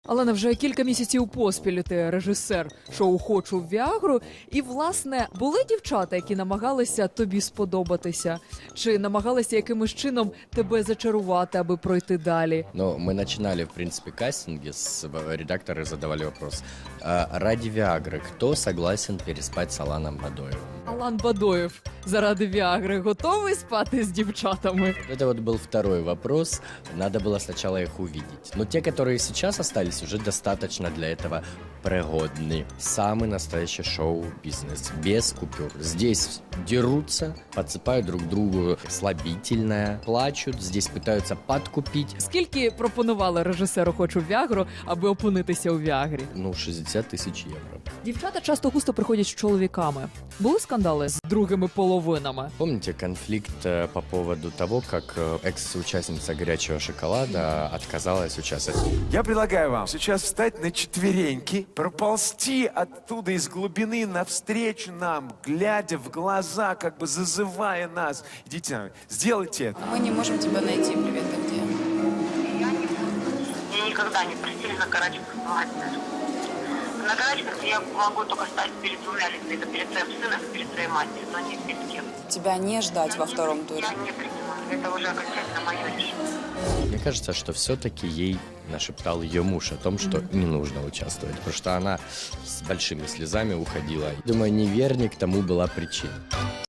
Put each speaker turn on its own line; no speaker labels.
Але вже кілька місяців поспіль ти режисер шоу «Хочу Віагру». І, власне, були дівчата, які намагалися тобі сподобатися? Чи намагалися якимось чином тебе зачарувати, аби пройти далі?
Но мы начинали, в принципе, кастинги, редакторы задавали вопрос. Ради Виагры кто согласен переспать с Аланом Бадоевым?
Алан Бадоєв заради Віагри готовий спати з дівчатами?
Это вот был второй вопрос. Надо было сначала их увидеть. Но те, которые сейчас остались, уже достаточно для этого пригодны. Самый настоящий шоу-бизнес. Без купюр. Здесь дерутся, подсыпают друг другу слабительное, плачут, здесь пытаются подкупить.
Скільки пропонували режисеру «Хочу Віагру», аби опинитися у Віагрі?
60 тысяч евро.
Дівчата часто густо приходять з чоловіками. Були скандали з другими половинами?
Помните конфликт по поводу того, как экс-участница «Горячего шоколада» отказалась участвовать?
Я предлагаю вам сейчас встать на четвереньки, проползти оттуда из глубины навстречу нам, глядя в глаза, как бы зазывая нас. Идите, сделайте это.
Мы не можем тебя найти. Привет, ты где?
Меня никогда не просили на карачках бывать даже. На карачках я могу только стать перед двумя людьми. Это перед своим сыном и перед своей матерью, но не перед кем.
Тебя не ждать во втором туре.
Я не принимаю. Это уже окончательно мое решение.
Мне кажется, что все-таки ей нашептал ее муж о том, что не нужно участвовать, потому что она с большими слезами уходила. Думаю, неверник тому была причина.